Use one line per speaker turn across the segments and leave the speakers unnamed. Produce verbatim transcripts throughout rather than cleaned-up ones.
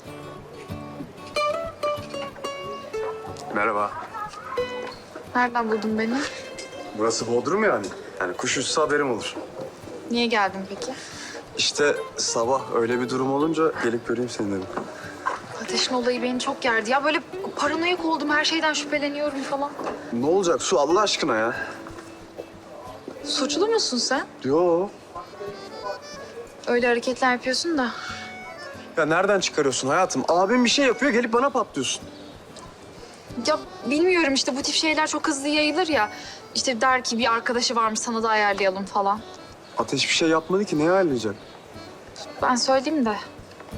Merhaba.
Nereden buldun beni?
Burası Bodrum yani. Yani kuş uçsa haberim olur.
Niye geldin peki?
İşte sabah öyle bir durum olunca gelip göreyim seni dedim.
Ateşin olayı beni çok gerdi. Ya böyle paranoyak oldum, her şeyden şüpheleniyorum falan.
Ne olacak Su Allah aşkına ya?
Suçlu musun sen?
Yo.
Öyle hareketler yapıyorsun da.
Ya nereden çıkarıyorsun hayatım? Abim bir şey yapıyor gelip bana patlıyorsun.
Ya bilmiyorum işte bu tip şeyler çok hızlı yayılır ya. İşte der ki bir arkadaşı varmış sana da ayarlayalım falan.
Ateş bir şey yapmadı ki neye ayarlayacak?
Ben söyleyeyim de.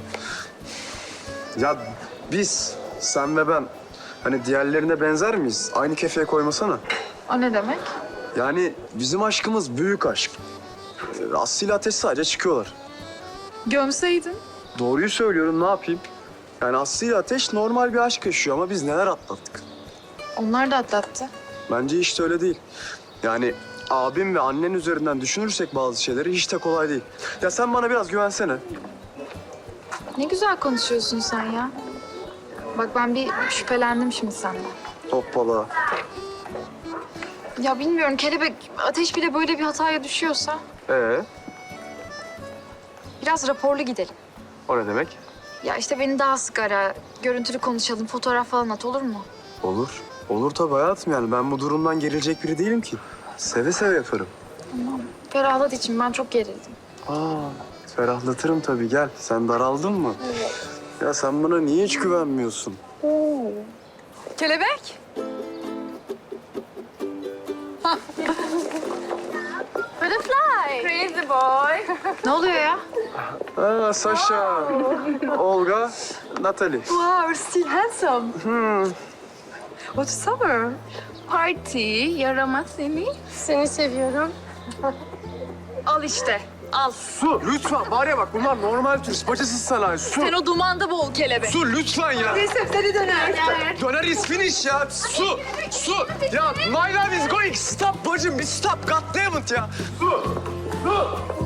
Ya biz, sen ve ben hani diğerlerine benzer miyiz? Aynı kefeye koymasana.
O ne demek?
Yani bizim aşkımız büyük aşk. Ee, Aslı ile Ateş sadece çıkıyorlar.
Gömseydin.
Doğruyu söylüyorum ne yapayım? Yani Aslı ile Ateş normal bir aşk yaşıyor ama biz neler atlattık.
Onlar da atlattı.
Bence hiç de öyle değil. Yani abim ve annen üzerinden düşünürsek bazı şeyleri hiç de kolay değil. Ya sen bana biraz güvensene.
Ne güzel konuşuyorsun sen ya. Bak ben bir şüphelendim şimdi senden.
Hoppala.
Ya bilmiyorum kelebek ateş bile böyle bir hataya düşüyorsa
Ee,
biraz raporlu gidelim.
o ne demek?
Ya işte beni daha sık ara, görüntülü konuşalım, fotoğraf falan at olur mu?
Olur. Olur tabii hayatım yani. Ben bu durumdan gerilecek biri değilim ki. Seve seve yaparım.
Tamam. Ferahlat için ben çok gerildim.
Aa, ferahlatırım tabii. Gel. Sen daraldın mı?
Evet.
Ya sen bana niye hiç güvenmiyorsun?
Kelebek.
Butterfly. Crazy boy.
Ne oluyor ya?
Aa, Sasha, Olga, Natalie.
Wow, you're still handsome.
Hmm.
What's summer? Party, yaramaz seni. Seni seviyorum.
Al işte. Al.
Su, lütfen. Var ya bak bunlar normal turist. Bacasız sanayi. Su.
Sen o dumanda boğul kelebek.
Su lütfen ya.
Neyse seni döner.
Döner is finish ya. Su, su. Ya my love is going. Stop bacım, bir stop. God damn it ya. Su, su.